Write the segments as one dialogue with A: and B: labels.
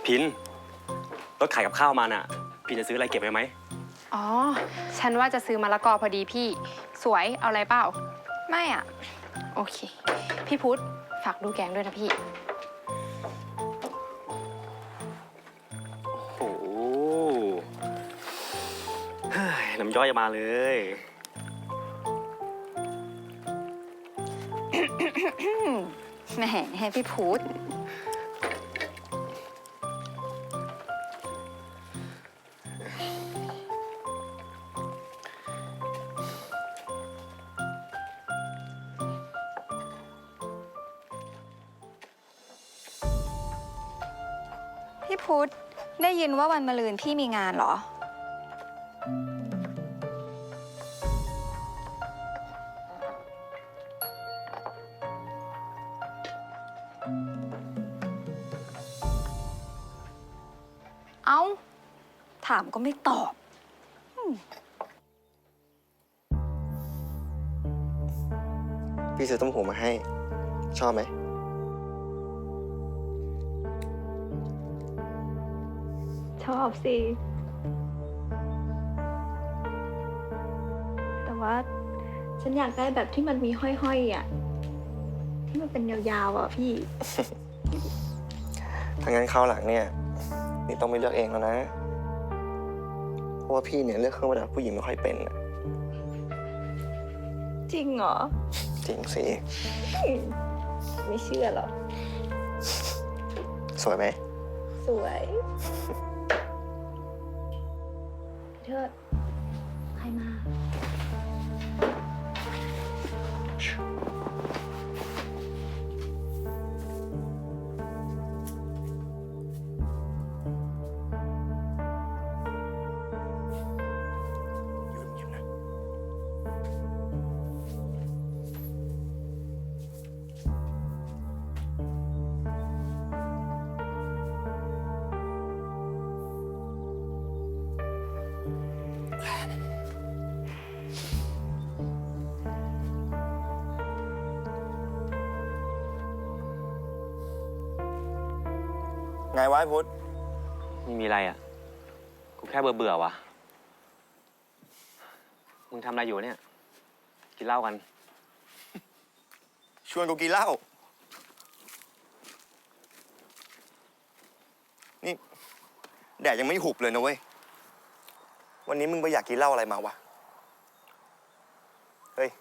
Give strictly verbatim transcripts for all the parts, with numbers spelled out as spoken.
A: พินรถขายกับข้าวมาน่ะพินจะซื้ออะไรเก็บไว้ไหม
B: อ๋อฉันว่าจะซื้อมะละกอพอดีพี่สวยเอาอะไรเปล่า
C: ไม่อ่ะ
B: โอเคพี่พุธฝากดูแกงด้วยนะพี่
A: โอ้โหน้ำย่อยมาเลย
C: แหมให้พี่พุธพี่พุธได้ยินว่าวันมะรืนพี่มีงานเหรอเอ้าถามก็ไม่ตอบ
D: พี่ซื้อต้มหูมาให้ชอบไหม
E: ชอบสิแต่ว่าฉันอยากได้แบบที่มันมีห้อยๆอ่ะที่มันเป็นยาวๆอ่ะพี่
D: ถ้างั้นคราวหลังเนี่ยนี่ต้องไปเลือกเองแล้วนะเพราะว่าพี่เนี่ยเลือกเครื่องประดับผู้หญิงไม่ค่อยเป็นอะ
E: จริงเหรอ
D: จริงสิ
E: ไม่เชื่อหรอก
D: สวยไหม
E: สวยเทิดใครมา
D: ไงวะพุทธ
A: ไม่มีอะไรอ่ะกูแค่เบื่อเบื่อวะมึงทำอะไรอยู่เนี่ยกินเหล้ากัน
D: ชวนกูกินเหล้านี่แดดยังไม่หุบเลยนะเว้ยวันนี้มึงไปอยากกินเหล้าอะไรมาวะเฮ้ย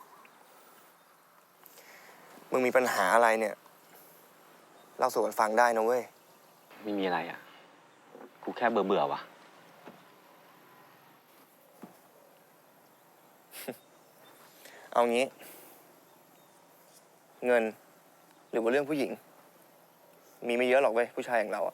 D: มึงมีปัญหาอะไรเนี่ยเล่าสู่กันฟังได้นะเว้ย
A: ไม่มีอะไรอ่ะกูแค่เบื่อเบื่อวะ
D: เอางี้เงินหรือว่าเรื่องผู้หญิงมีไม่เยอะหรอกเว้ยผู้ชายอย่างเราอะ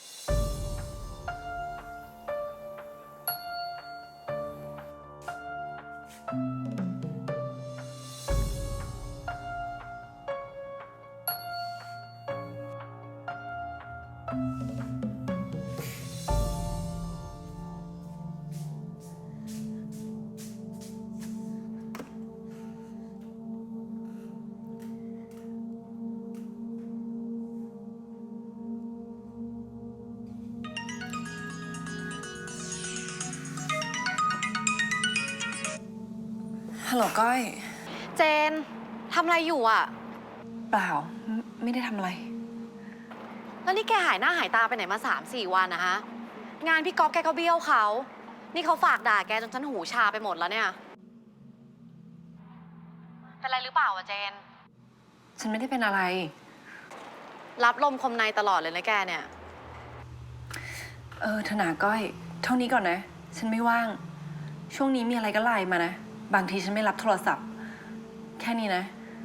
F: ฮัลโหลก้อย
C: เจนทำอะไรอยู่อ่ะ
F: เปล่าไม่ได้ทำอะไร
C: แล้วนี่แกหายหน้าหายตาไปไหนมาสามสี่วันนะฮะงานพี่ก๊อฟแกก็เบี้ยวเขานี่เขาฝากด่าแกจนฉันหูชาไปหมดแล้วเนี่ยเป็นไรหรือเปล่าอะเจน
F: ฉันไม่ได้เป็นอะไร
C: รับลมคมในตลอดเลยนะแกเนี่ย
F: เออธนาก้อยเท่านี้ก่อนนะฉันไม่ว่างช่วงนี้มีอะไรก็ไลน์มานะบางทีฉันไม่รับโทรศัพท์แค่นี้นะ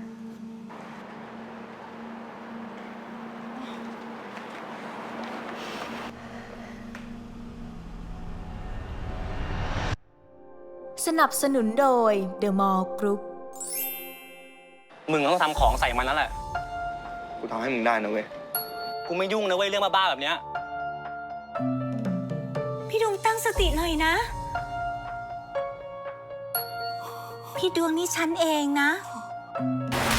G: สนับสนุนโดย The Mall Group
A: มึงต้องทำของใส่มันแล้วแหละ
D: กูทำให้มึงได้นะเว้ย
A: กูไม่ยุ่งนะเว้ยเรื่องบ้าๆแบบเนี้ย
G: พี่ดวงตั้งสติหน่อยนะพี่ดวงนี่ฉันเองนะ